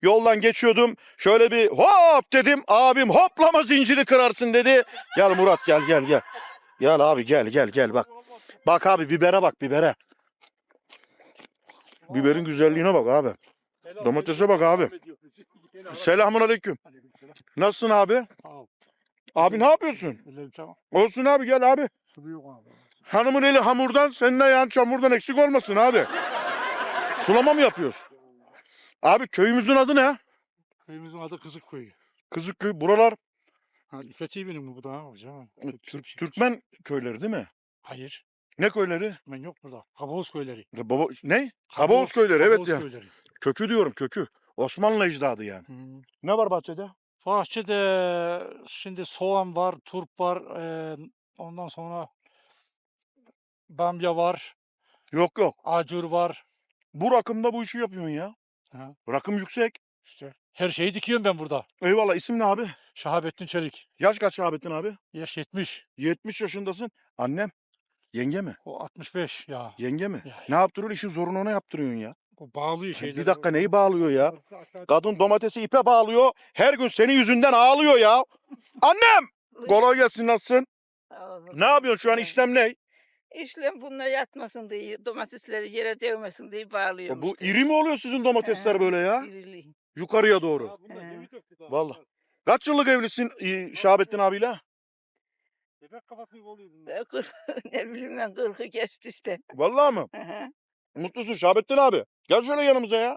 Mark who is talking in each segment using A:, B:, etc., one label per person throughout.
A: Yoldan geçiyordum. Şöyle bir hop dedim. Abim hoplama zinciri kırarsın dedi. Gel Murat gel. Gel abi gel bak. Bak abi bibere bak bibere. Biberin güzelliğine bak abi. Domatese bak abi. Selamun aleyküm. Nasılsın abi? Abi ne yapıyorsun? Olsun abi gel abi. Hanımın eli hamurdan, senin ayağın çamurdan eksik olmasın abi. Sulama mı yapıyoruz? Abi köyümüzün adı ne?
B: Köyümüzün adı Kızıkköy.
A: Kızıkköy. Buralar
B: İffeti benim bu da hocam.
A: Türkmen köyleri değil mi?
B: Hayır.
A: Ne köyleri?
B: Ben yok burada. Kabaoz köyleri.
A: Baba ne? Kabaoz köyleri evet
B: Kabaoz
A: ya.
B: köyleri.
A: Kökü diyorum kökü. Osmanlı ecdadı yani. Ne var bahçede?
B: Bahçede şimdi soğan var, turp var. Ondan sonra bamya var,
A: Yok.
B: acur var.
A: Bu rakımda bu işi yapıyorsun ya.
B: Ha,
A: Rakım yüksek.
B: işte her şeyi dikiyorum ben burada.
A: Eyvallah. İsim ne abi?
B: Şahabettin Çelik.
A: Yaş kaç Şahabettin abi?
B: Yaş 70.
A: 70 yaşındasın. Annem. Yenge mi?
B: O 65 ya.
A: Yenge mi?
B: Ya.
A: Ne yaptırıyorsun? İşin zorunu ona yaptırıyorsun ya.
B: O bağlıyor şeyleri.
A: Bir dakika neyi bağlıyor ya? Kadın domatesi ipe bağlıyor. Her gün senin yüzünden ağlıyor ya. Annem! Kolay gelsin nasılsın? Ne yapıyorsun şu an işlem ne?
C: İşlem bununla yatmasın diye, domatesleri yere değmesin diye bağlıyorum
A: Bu
C: işte.
A: iri mi oluyor sizin domatesler böyle ya?
C: İrili.
A: Yukarıya doğru. Vallahi. Kaç yıllık evlisin Şahabettin abiyle?
B: Bebek kafası gibi oluyor bunlar.
C: Ne bileyim ben 40'ı geçti işte.
A: Vallahi mı?
C: Hı hı.
A: Mutlusun Şahabettin abi. Gel şöyle yanımıza ya.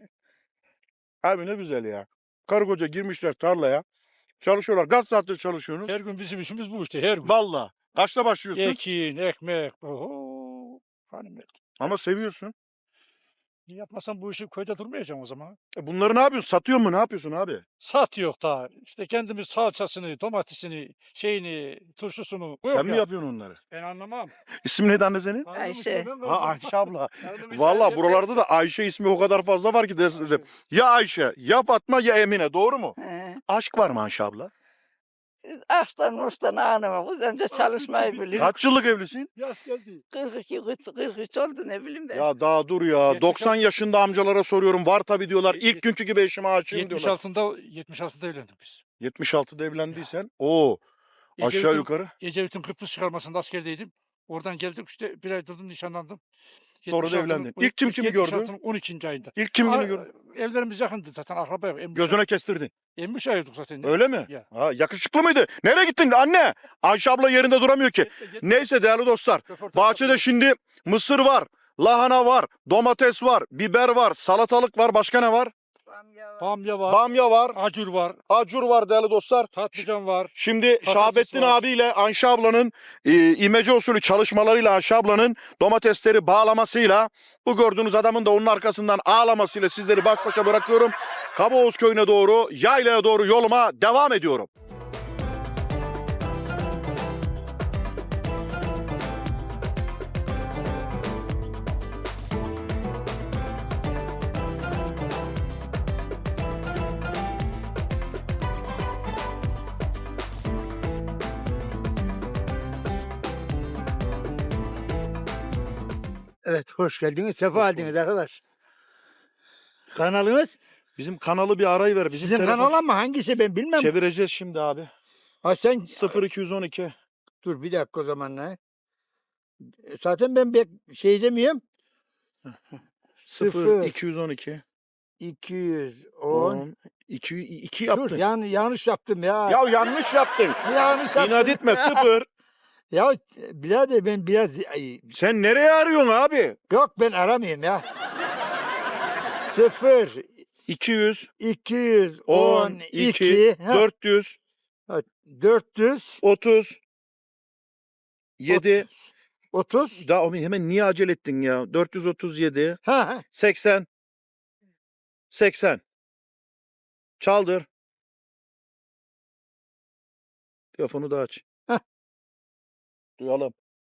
A: Abi ne güzel ya. Karı koca girmişler tarlaya. Çalışıyorlar. Kaç saattir çalışıyorsunuz?
B: Her gün bizim işimiz bu işte her gün.
A: Vallahi. Kaçta başlıyorsun?
B: Ekin, ekmek. Oho. Hanım
A: Ama seviyorsun.
B: yapmasam bu işi köyde durmayacağım o zaman.
A: Bunları ne yapıyorsun? Satıyor mu? Ne yapıyorsun abi?
B: Sat yok da işte kendimiz salçasını, domatesini, şeyini, turşusunu. Bu
A: Sen
B: yok
A: mi
B: ya.
A: yapıyorsun onları?
B: Ben anlamam.
A: İsim neydi anne senin?
C: Ayşe.
A: Ha Ayşe abla. Vallahi buralarda da Ayşe ismi o kadar fazla var ki dedim. Ya Ayşe, ya Fatma, ya Emine. Doğru mu?
C: He.
A: Aşk var mı Ayşe abla?
C: Siz açtan uçtan ağlama. Biz önce çalışmayı biliyoruz.
A: Kaç yıllık evlisin?
B: Yaş geldi.
C: 42, 43 oldu ne bileyim ben.
A: Ya daha dur ya. 90 yaşında amcalara soruyorum. Var tabii diyorlar. İlk günkü gibi eşime aşığım diyorlar.
B: 76'da evlendik biz.
A: 76'da evlendiysen. Oo. Aşağı yukarı.
B: Ecevit'in Kıbrıs çıkarmasında askerdeydim. Oradan geldik işte bir ay durdum nişanlandım.
A: Sonra da
B: 76'nın
A: evlendin. İlk kim kimi gördü?
B: 76'nın 12. ayında.
A: İlk kim kimi gördü?
B: Evlerimiz yakındı zaten akraba yok.
A: Gözüne kestirdin.
B: Emmiş ayırdık zaten.
A: Öyle mi?
B: Ya.
A: Ha, yakışıklı mıydı? Nereye gittin anne? Ayşe abla yerinde duramıyor ki. Neyse değerli dostlar. Bahçede şimdi mısır var, lahana var, domates var, biber var, salatalık var. Başka ne var?
B: Bamya var,
A: Bamya var,
B: acur var,
A: acur var değerli dostlar.
B: patlıcan var.
A: Şimdi
B: Patates
A: Şahabettin
B: var.
A: abiyle Ayşe ablanın imece usulü çalışmalarıyla Ayşe ablanın domatesleri bağlamasıyla bu gördüğünüz adamın da onun arkasından ağlamasıyla sizleri baş başa bırakıyorum. Kabaoz köyüne doğru, yaylaya doğru yoluma devam ediyorum.
D: Evet, hoş geldiniz, sefa geldiniz arkadaş. Kanalınız?
A: Bizim kanalı bir arayıver. Bizim
D: Sizin
A: telefon
D: kanal ama hangisi ben bilmem.
A: çevireceğiz şimdi abi.
D: Ha sen
A: 0212
D: dur bir dakika o zaman ne? Zaten ben şey demiyorum.
A: 0212
D: 210.
A: 2
D: Dur
A: yaptın.
D: yani yanlış yaptım ya.
A: Ya yanlış yaptın.
D: Yanlış yaptım.
A: İnat etme 0.
D: Ya birader ben biraz
A: Sen nereye arıyorsun abi?
D: yok ben aramayayım ya. 0
A: 200
D: 212
A: 400
D: 400
A: 30 7
D: 30
A: daha hemen niye acele ettin ya? 437
D: ha
A: 80 80 çaldır. Telefonu da aç.
D: Heh.
A: Duyalım.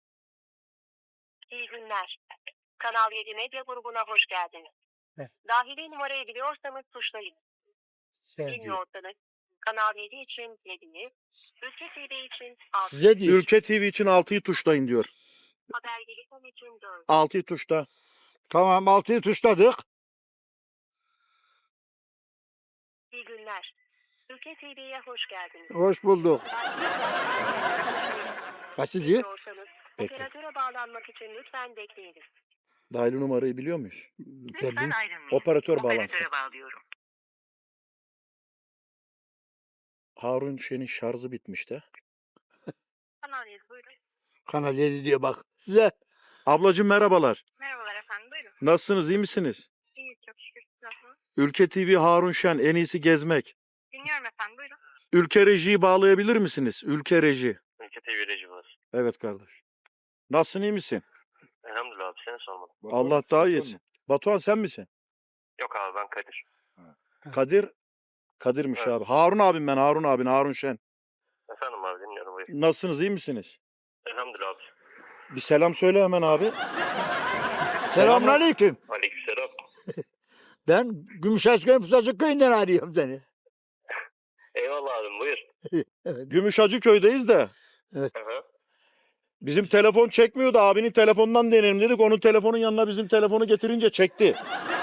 E: İyi günler. Kanal 7 medya grubuna hoş geldiniz.
D: Heh.
E: Dahili numarayı biliyorsanız tuşlayın.
D: Sevdi.
E: Bilmiyorsanız Kanal 7 için 7'yi, Ülke TV için 6'yı,
D: Size diyor.
A: Ülke TV için 6'yı tuşlayın diyor.
E: Habercilik için 4'ü.
A: 6'yı tuşla.
D: Tamam 6'yı tuşladık.
E: İyi günler. Ülke TV'ye hoş geldiniz.
D: Hoş bulduk. Kaçıncı?
E: Bekliyorsanız,
A: Bekle.
E: operatöre bağlanmak için lütfen bekleyiniz.
A: Dahili numarayı biliyor muyuz?
E: Lütfen ayrılmayın.
A: Operatör bağlansın.
E: Operatöre bağlıyorum.
A: Harun Şen'in şarjı bitmişti.
E: Kanal 7 buyurun.
D: Kanal 7 diyor bak. Size
A: Ablacığım merhabalar.
E: Merhabalar efendim buyurun.
A: Nasılsınız, iyi misiniz?
E: İyiyiz çok şükür. Nasılsınız?
A: Ülke TV Harun Şen, en iyisi gezmek.
E: Dinliyorum efendim buyurun.
A: Ülke Reji'yi bağlayabilir misiniz? Ülke Reji.
F: Ülke TV reji var.
A: Evet kardeş. Nasılsın, iyi misin?
F: Elhamdülillah abi seni sormadım.
A: Allah daha iyisin. Batuhan sen misin?
F: Yok abi ben Kadir.
A: Kadir. Kadir'miş
F: Evet.
A: abi. Harun abim ben, Harun abin, Harun Şen.
F: Efendim abi dinliyorum buyur.
A: Nasılsınız, iyi misiniz?
F: Elhamdülillah abi.
A: Bir selam söyle hemen abi.
D: selamünaleyküm.
F: Aleykümselam.
D: Ben Gümüşhaçköy Pusacık köyünden arıyorum seni.
F: Eyvallah abim buyur.
D: Evet.
A: Gümüşhacı köydeyiz de.
F: Hı hı.
A: Bizim telefon çekmiyordu. Abinin telefonundan deneyelim dedik. Onun telefonun yanına bizim telefonu getirince çekti.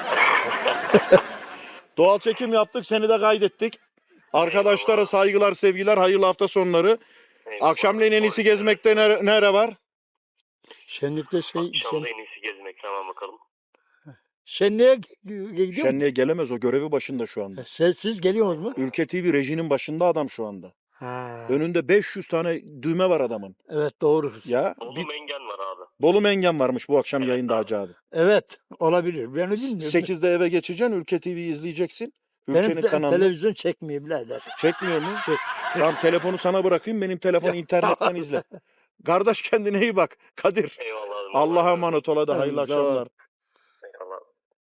A: Doğal çekim yaptık. Seni de kaydettik. Arkadaşlara
F: Eyvallah.
A: saygılar, sevgiler, hayırlı hafta sonları.
F: Eyvallah.
A: Akşamleyin en iyisi gezmekte nere var?
D: Şenlikte
F: Akşamda en iyisi gezmek tamam bakalım.
D: şenliğe gidiyor mu?
A: Şenliğe gelemez, o görevi başında şu anda.
D: Siz geliyorsunuz mu?
A: Ülke TV rejinin başında adam şu anda.
D: Ha.
A: Önünde 500 tane düğme var adamın.
D: Evet doğru.
A: Ya
F: Bolu
A: bir
F: Mengen var abi.
A: Bolu Mengen varmış bu akşam
F: Evet
A: yayında
F: abi.
A: Hacı abi.
D: Evet olabilir. Ben bilmiyorum.
A: 8'de eve geçeceksin, Ülke TV'yi izleyeceksin. Ülkenin
D: Benim
A: kanalını
D: televizyon çekmiyor birader.
A: çekmiyor mu?
D: Çek.
A: Tamam, telefonu sana bırakayım, benim telefonu
D: Ya,
A: internetten
D: sağ ol.
A: izle. Kardeş kendine iyi bak. Kadir.
F: Eyvallah abim.
A: Allah'a emanet ol, hadi
D: Hadi,
A: hayırlı
D: sağ ol.
A: akşamlar.
F: Eyvallah.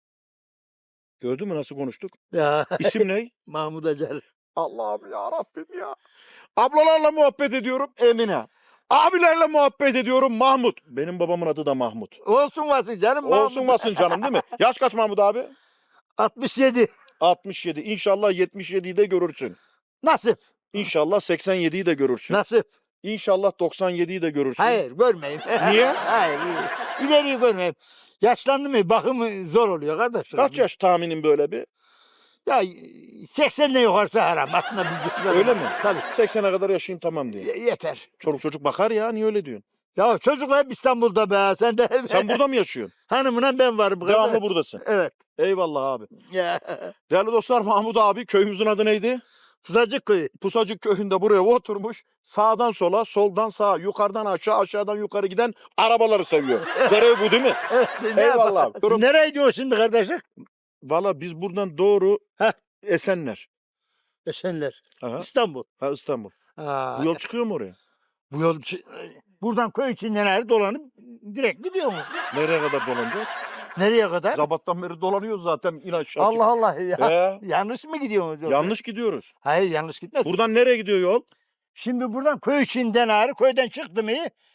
A: Gördün mü nasıl konuştuk?
D: Ya
A: İsim ne?
D: Mahmut Acar.
A: Allah'ım ya Rabbim ya. Ablalarla muhabbet ediyorum Emine. Abilerle muhabbet ediyorum Mahmut. Benim babamın adı da Mahmut.
D: Olsun vasın canım.
A: Olsun basın canım değil mi? Yaş kaç Mahmut abi?
D: 67.
A: 67. İnşallah 77'yi de görürsün.
D: Nasip.
A: İnşallah 87'yi de görürsün.
D: Nasip.
A: İnşallah 97'yi de görürsün.
D: Hayır görmeyeyim.
A: Niye?
D: Hayır. İleriyi görmeyeyim. Yaşlandı mı bakımı zor oluyor kardeş.
A: Kaç yaş tahminin böyle bir?
D: Ya 80'den yukarısı haram aslında bizim.
A: Öyle mi?
D: Tabii.
A: 80'e kadar yaşayayım tamam diye.
D: Yeter.
A: Çoluk çocuk bakar ya, niye öyle diyorsun?
D: Ya çocuklar hep İstanbul'da be. Sen de
A: Sen burada mı yaşıyorsun?
D: hanımla ben varım. bu
A: Devamlı
D: kadar.
A: buradasın.
D: Evet.
A: Eyvallah abi.
D: Ya.
A: Değerli dostlar, Mahmut abi, köyümüzün adı neydi?
D: Pusacık köyü.
A: Pusacık köyünde buraya oturmuş. Sağdan sola, soldan sağa, yukarıdan aşağı, aşağıdan yukarı giden arabaları seviyor. Görev bu değil mi?
D: Evet.
A: Eyvallah.
D: Siz nereye gidiyorsun şimdi kardeşim?
A: Valla biz buradan doğru
D: Heh.
A: Esenler.
D: Esenler.
A: Aha.
D: İstanbul.
A: Ha, İstanbul.
D: Ha,
A: Bu yol çıkıyor mu oraya?
D: bu yol buradan köy içinden her dolanıp direkt gidiyor mu?
A: Nereye kadar dolanacağız?
D: Nereye kadar?
A: Sabahtan beri dolanıyoruz zaten, in aşağı.
D: Allah Allah ya.
A: He,
D: Yanlış mı gidiyorsunuz? yoksa?
A: yanlış gidiyoruz.
D: Hayır yanlış gitmez.
A: Buradan nereye gidiyor yol?
D: Şimdi buradan köy içinden ağrı köyden çıktı mı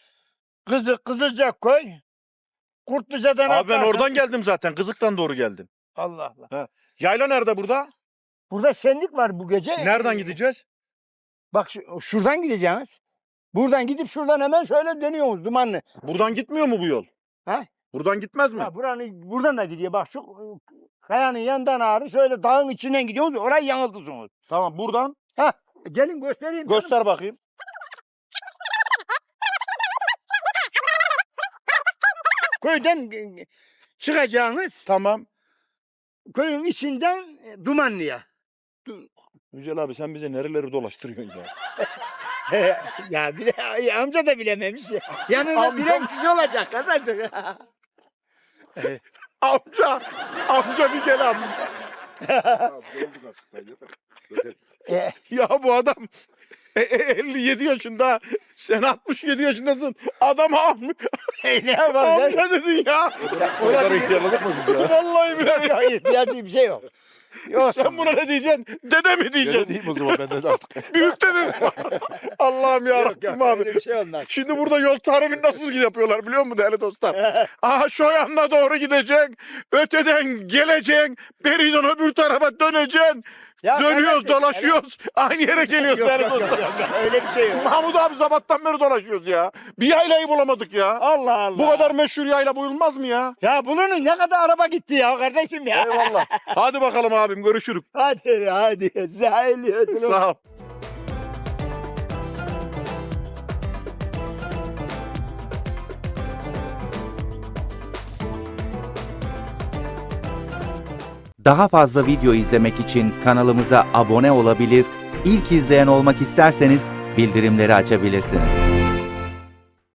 D: Kızılcak köy. Kurtluca'dan
A: Abi ben
D: atlarsan-
A: oradan geldim zaten. Kızık'tan doğru geldim.
D: Allah Allah.
A: Yayla nerede burada?
D: Burada şenlik var bu gece.
A: Nereden gideceğiz?
D: Bak şuradan gideceğiz. Buradan gidip şuradan hemen şöyle dönüyoruz dumanlı.
A: Buradan gitmiyor mu bu yol?
D: He?
A: Buradan gitmez mi?
D: Ha, buradan da gidiyor. Bak şu kayanın yanından ağrı şöyle dağın içinden gidiyoruz. Orayı yanıltırsınız.
A: Tamam, buradan
D: Gelin göstereyim. canım.
A: göster bakayım.
D: Köyden çıkacağınız
A: Tamam.
D: köyün içinden Dumanlı'ya.
A: Yücel abi, sen bize nereleri dolaştırıyorsun ya?
D: Ya bir de amca da bilememiş. ya. Yanında
A: Amcam-
D: bilen kişi olacak kardeşim.
A: Amca bir gel amca.
D: E,
A: Ya bu adam 57 yaşında, sen 67 yaşındasın. Adam
D: ne yapalım?
A: amca dedin ya.
D: Olabilir.
A: ihtiyarladık mı biz ya? Vallahi billahi.
D: Yok ihtiyar diye bir şey yok. Yoksa
A: Sen buna ne diyeceksin? Dede mi diyeceksin?
G: Diyeyim o zaman ben de artık.
A: Büyük dede. Allah'ım ya
D: yok,
A: Rabbim
D: yok,
A: abi.
D: öyle bir şey olmaz.
A: Şimdi burada yol tarifini nasıl yapıyorlar biliyor musun değerli dostlar? Aha şu yanına doğru gideceksin. Öteden geleceksin. Beriden öbür tarafa döneceksin.
D: Ya
A: Dönüyoruz,
D: kardeşim,
A: dolaşıyoruz. Aynı yere geliyoruz
D: Yok,
A: değerli
D: yok, yok,
A: dostlar.
D: yok, öyle bir şey yok.
A: Mahmut abi sabahtan beri dolaşıyoruz ya. Bir yaylayı bulamadık ya.
D: Allah Allah.
A: Bu kadar meşhur yayla buyulmaz mı ya?
D: Ya bunun ne kadar araba gitti ya kardeşim ya.
A: Eyvallah. Hadi bakalım abi. abim görüşürük.
D: Hadi. Zahil.
A: Sağ ol.
G: Daha fazla video izlemek için kanalımıza abone olabilir, ilk izleyen olmak isterseniz bildirimleri açabilirsiniz.